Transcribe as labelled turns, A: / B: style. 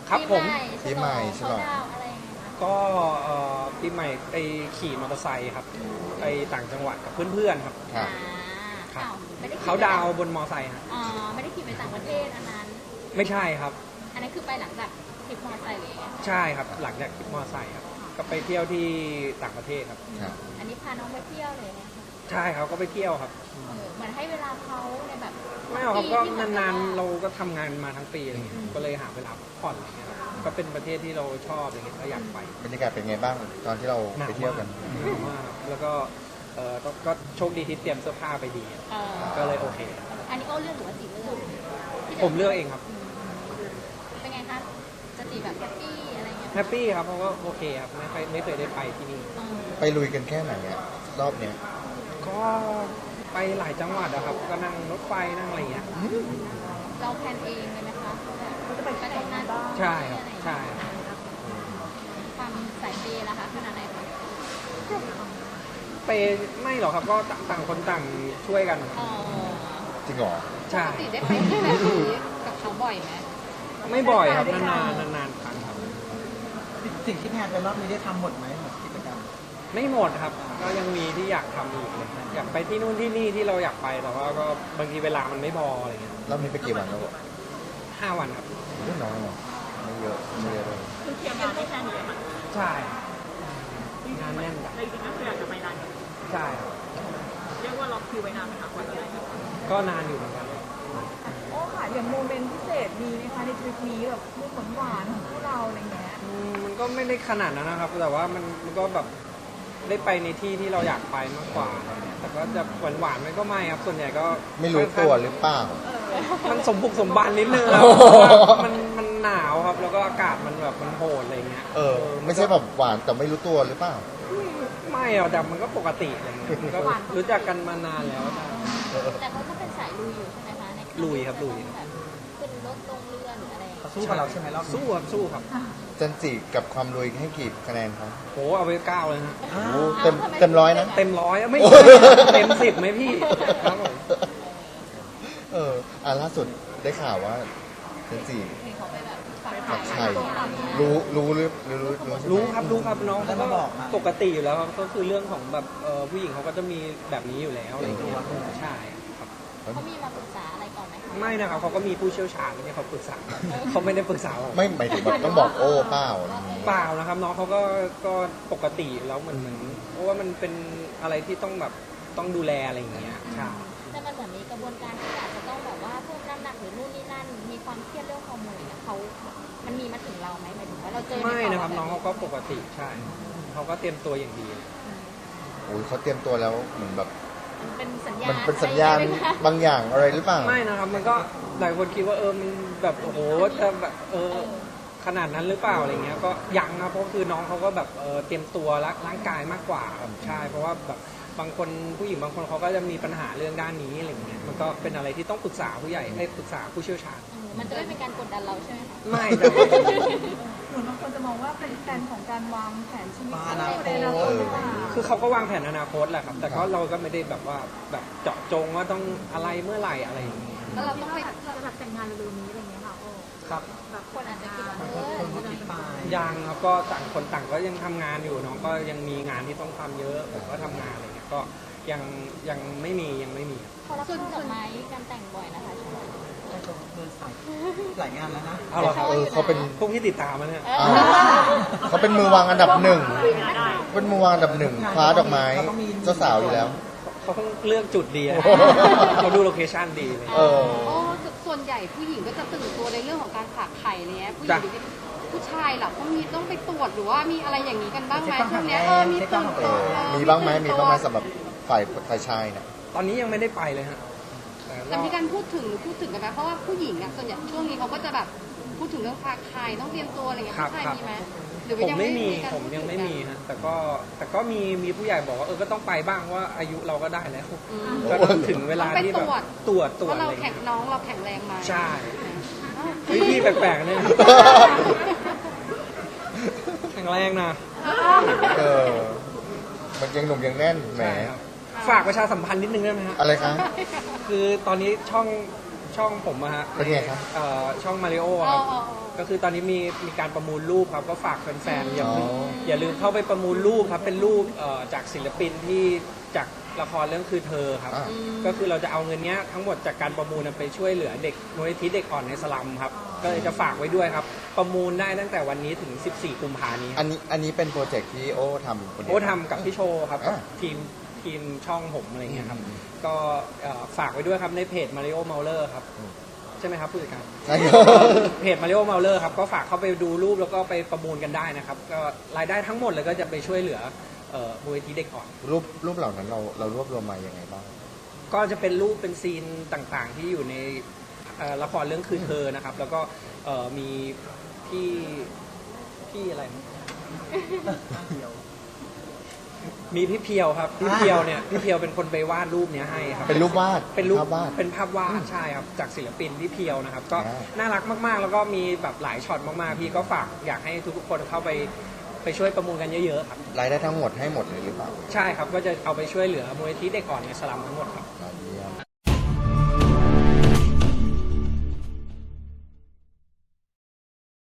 A: ครับผม
B: ปีใหม่ฉลอง
C: เขาดาวน์อะไรยังไงคะ
A: ก็ปีใหม่ไปขี่มอเตอร์ไซค์ครับไปต่างจังหวัดกับเพื่อนๆครับ
B: ครับ
A: ครับ
C: อ้าวไม่ได้ขี่
A: เขาดาวน์บนมอเตอร์ไซค์ครับ
C: อ๋อไม่ได้ขี่ไปต่างประเทศอันนั้น
A: ไม่ใช่ครับ
C: อันนั้นคือไปหลังจากทริปมอเตอร์ไซค์เลย
A: ใช่ครับหลังจากขี่มอเตอร์ไซค์ครับก็ไปเที่ยวที่ต่างประเทศครับ
B: ครับ
C: อันนี้พาน้องไปเที่ยวเลยนะคะ
A: ใช่ครับก็ไปเที่ยวครับ
C: เหมือนให้เวลาเขาในแบบ
A: ไม่เอาครับก็
C: ปีที่ผ่
A: นาน
C: ม
A: ๆเราก็ทำงานมาทั้งปีอะไรเงี้ยก็เลยหาเวลาพักผ่อนอะไรเงี้ยครับก็เป็นประเทศที่เราชอบอะไรเงี้ยก็อยากไป
B: บรรยากาศเป็นไงบ้างตอนที่เราไปเที่ยวกัน
A: หนาวมากครับแล้วก็ก็โชคดีที่เตรียมเสื้อผ้าไปดี
C: เออ
A: ก็เลยโอเค
C: อันนี้โอ้เลือกหรือว่าจีเลือกที่
A: ผมเลือกเองครับ
C: เป็นไงคะจะจีแบบแฮปปี้อะไรเงี้ย
A: แฮปปี้ครับเพราะว่าโอเคครับไม่เคยได้ไปที่นี่
C: เออ
B: ไปลุยกันแค่ไหนอะรอบเนี้ย
A: ก็ไปหลายจังหวัดอะครับ ก็นั่งรถไฟนั่งอะไรเงี้ย
C: เราแพลนเองเลยไหมคะเขาจะไปทำงาน
A: ใช่ครับใช่ครับ
C: ความสายเปย์ล่ะคะขนาดไหนคะ
A: ไปไม่หรอกครับก็ต่างคนต่างช่วยกัน
C: อ๋อ
B: จริงเหรอ
A: ใช่
C: ปกติได้ไปที่แบบนี้กับเขาบ่อยไหม
A: ไม่บ่อยครับนานๆครั้งครับ
D: สิ่งที่แพลนไปรอบนี้ได้ทำหมดไหมหมดกิจกรรม
A: ไม่หมดครับ ก็ยังมีที่อยากทำอีกเลยอยากไปที่นู่นที่นี่ที่เราอยากไปแต่ว่าก็บางทีเวลามันไม่พออะไรเงี้ย
B: รอบนี้ไปกี่วันแล้วอะ
A: 5 วันครับ
B: ไม่น้อยหรอไม่เยอะไม่เยอะเลย
E: คือเคลียร์งานที่แค่นี้ค่ะ
A: ใช่งานแน่นแบบ
E: แต่จริงๆก็คืออยากจะไปนาน
A: ใช่ครับ
E: เรียกว่าล็อกคิวไว้นานไหมคะกว่าจะได้
A: ก็นานอยู่เหมือนกัน
F: โอ้ค่ะอย่างโมเมนต์พิเศษมีไหมคะในทริปนี้แบบมุกหวานๆของพวกเราอะไรเงี้ย
A: มันก็ไม่ได้ขนาดนั้นนะครับ แต่ว่ามันก็แบบได้ไปในที่ที่เราอยากไปมากกว่าอะไรเงี้ยแต่ก็จะหวานๆมันก็ไม่ครับ ส่วนใหญ่ก็
B: ไม่รู้ตัวหรือเปล่า
A: มันสมบุกสมบันนิดนึงครับ
B: โอ้โห
A: มันหนาวครับ แล้วก็อากาศมันแบบมันโหดอะไรเงี้ย
B: ไม่ใช่แบบหวานแต่ไม่รู้ตัวหรือเปล่า
A: ไม่หรอกแต่มันก็ปกติอะไรเงี้ยมันก็รู้จักกันมานานแล้วใช่
C: แต่เขาก็เป็นสายลุยอยู่ใช่ไหมคะในการ
A: ลุยครับลุย
C: แบบขึ้นรถลงเรือหรืออะไรอย่าง
D: เขา
C: เงี้ย
D: สู้กับเราใช่ไหมรอบนี้
A: สู้ครับสู้ครับ
B: จันจิกับความลุยให้กี่คะแนนครับ
A: โหเอาไป9เลยนะ
B: โอ้เต็มร้อยนะ
A: เต็ม100ไม่
B: โอ้
A: ใช่
B: ย
A: เต็ม10ไหมพี่ครับผม
B: ล่าสุดได้ข่าวว่าจันจิ
C: เห็นเขาไปแบบฝัก
B: กับ
C: ไข่
B: ใครรู้หรือใช่ไหม
A: รู้ครับน้องเขา
D: ได้
A: ก็
D: มาบอกมา
A: ปกติอยู่แล้วครับก็คือเรื่องของแบบผู้หญิงเขาก็จะมีแบบนี้อยู่แล้วอะไรอย่างเงี้ยใช่ครับ
C: เขามีมาปรึกษาอะไรก่อนไหมคะ
A: ไม่นะครับเขาก็มีผู้เชี่ยวชาญที่เขาปรึกษาเขาไม่ได้ปรึกษาผม
B: ไม่หมายถึงแบบต้องบอกโอ้เปล่าอะไรอย่างงี้
A: เปล่านะครับน้องเขาก็ปกติอยู่แล้วเหมือนเพราะว่ามันเป็นอะไรที่ต้องแบบต้องดูแลอะไรอย่างเงี้ยใช่
C: แต่มันเหมือนมีกระบวนการที่อาจจะต้องแบบว่าเพิ่มน้ำหนักหรือนู่นนี่นั่น มีความเครียดเรื่องฮอร์โมนเนี่ยมันมีมาถึงเราไหมหมายถึงว่าเราเจอ
A: ไม่นะครับ
C: ใ
A: น้องเขาก็ปกติใช่เขาก็เตรียมตัวอย่างดี
B: โอ้ยเขาเตรียมตัวแล้วเหมือนแบบ
C: มันเป็นสัญญาณ
B: มันเป็นสัญญาณ
C: อะไรอย่งเงี้ยไหมคะ
B: บางอย่างอะไรหรือเปล่า
A: ไม่นะครับมันก็หลายคนคิดว่ามันแบบโอ้โหจะแบบขนาดนั้นหรือเปล่าอะไรเงี้ยก็ยังนะเพราะคือน้องเขาก็แบบเตรียมตัวร่างกายมากกว่าครับใช่เพราะว่าแบบบางคนผู้หญิงบางคนเขาก็จะมีปัญหาเรื่องด้านนี้อะไรเงี้ยมันก็เป็นอะไรที่ต้องปรึกษาผู้ใหญ่ให้ปรึกษาผู้เชี่ยวชาญ
C: มันจะไม่เป็นการกดดันเราใช่ไหมคะ
A: ไม่แต่ว่า
F: เหมือนบางคนจะมองว่าเป็นแฟนของการวางแผนชีวิต
D: อนาคต
F: ในอนาคตหรือเปล่า
A: คือเขาก็วางแผนอนาคตแหละครับ แต่ก็เราก็ไม่ได้แบบว่าแบบเจาะจงว่าต้องอะไรเมื่อไหร่อะไรอย่างเงี้ย
C: แล้วเราต้องไป
E: จะแบบแต่งงานเร็วๆนี้อะไรอย่างเงี้ยค่ะโอ้
A: ครับ
C: แบบคนอาจจะคิดว่า
D: คนเขาคิดไป
A: ยังครับก็ต่างคนต่างก็ยังทำงานอยู่น้องก็ยังมีงานที่ต้องทำเยอะผมก็ทำงานอะไรเงี้ยก็ยังไม่มี
C: เขารับช่อดอกไม้การแต่งบ่อยนะคะช่วงนี้
D: เดินสายหลายงานแล้วนะ
A: เอาเหรอครับ
B: เขาเป็น
A: พวกที่ติดตามมาเนี่ย
B: อ้าวเขาเป็นมือวางอันดับหนึ่งเป็นมือวางอันดับหนึ่งคว้าดอกไม้เจ้าสาวอยู่แล้ว
A: เขาต้องเลือกจุดดีอะเขาดูโลเคชั่นดีเลย
B: เออ
G: โอ้ส่วนใหญ่ผู้หญิงก็จะตื่นตัวในเรื่องของการฝากไข่อะไรเงี้ยผู้หญิง
A: จ้ะ
G: หรือผู้ชายล่ะเขามีต้องไปตรวจหรือว่ามีอะไรอย่างนี้กันบ้างไหม
D: เช็ค
G: ช่วงเนี้ย
D: ความ
G: มี
D: แข็งแรง
G: ตื่นตัว
B: มีบ้างไหมสำหรับฝ่ายชายเนี่ย
A: ตอนนี้ยังไม่ได้ไปเลยฮะ
G: แต่มีการพูดถึงหรือพูดถึงกันไหมเพราะว่าผู้หญิงอ่ะส่วนใหญ่ช่วงนี้เขาก็จะแบบพูดถึงเรื่องฝากไข่ต้องเตรียมตัวอะไรเงี้ย
A: ครับ
G: ผู้ชาย
A: ครับ
G: มีไหมหรือ
A: ผม
G: ว่ายัง
A: ไม่มี
G: การ
A: ผม
G: พูด
A: ยังไม่
G: ถึ
A: มีฮะแต่ก็มีผู้ใหญ่บอกว่าก็ต้องไปบ้างว่าอายุเราก็ได้แล้ว
G: อืม
A: ก็ต้องถึงเวลาที่แบบตรวจ
G: เพราะ
A: อะ
G: เรา
A: ไร
G: แข็งน้องเราแข็งแรงไหม
A: ใช่เฮ้ยพี่แปลกๆเนี่ยแข็งแรงนะ
B: เออ มันยังหนุ่มยังแน่นแหม
A: ใช่ครับฝากประชาสัมพันธ์นิดนึงได้ไหมฮะ
B: อะไรคะ
A: คือตอนนี้ช่องช่องผมอะฮะ
B: เป็นไงครับ
A: ช่องมาริโอ
G: อ๋
A: ค
G: อ
A: รับ
G: อ๋อ
A: ก็คือตอนนี้มีการประมูลรูปครับก็ฝากแฟนๆอย่าลืม
B: อ๋อ
A: อย่าลืมเข้าไปประมูลรูปครับเป็นรูปจากศิลปินที่จากละครเรื่องคือเธอครับ
B: อ่า
A: ก็คือเราจะเอาเงินเนี้ยทั้งหมดจากการประมูลไปช่วยเหลือเด็กมูลนิธิเด็กอ่อนในสลัมครับก็เลยจะฝากไว้ด้วยครับประมูลได้ตั้งแต่วันนี้ถึง 14 กุมภาพันธ์นี้
B: อันนี้เป็นโปรเจกต์ที่โอ้ทำคนเดียว
A: โอ้ทำกับพี่โชว์ครับกับ
B: อ่า
A: ทีมช่องผมอะไรเงี้ยครับ
B: อืม
A: ก็ฝากไว้ด้วยครับในเพจ Mario Mauler ครับ
B: อืม
A: ใช่ไหมครับผู้จัดการ
B: ใช่ครับ
A: เพจ Mario Mauler ครับก็ฝากเข้าไปดูรูปแล้วก็ไปประมูลกันได้นะครับก็รายได้ทั้งหมดเลยก็จะไปช่วยเหลือมูลนิธิเด็กอ่อน
B: รูปเหล่านั้นเรารวบรวมมายังไงบ้าง
A: ก็จะเป็นรูปเป็นซีนต่างๆ ที่อยู่ในละครเรื่องคือเธอนะครับ แล้วก็มีพี่อะไรนะมีพี่เพียวครับพี่เพียวเนี่ยพี่เพียวเป็นคนไปวาดรูปเนี้ยให้ครับ
B: เป็นรูปวาด
A: เป็นรูป
B: ภาพวาด
A: เป็นภาพวาดใช่ครับจากศิลปินพี่เพียวนะครับ ก็
B: อ่า
A: น่ารักมากๆ แล้วก็มีแบบหลายช็อตมากๆพี่ก็ฝากอยากให้ทุกๆคนเข้าไปช่วยประมูลกันเยอะๆครับ
B: รายได้ทั้งหมดให้หมดเลยหรือเปล่า
A: ใช่ครับก็จะเอาไปช่วยเหลือมูลนิธิเด็กอ่อนในสลัมทั้งหมดครับ
B: เยี่ยม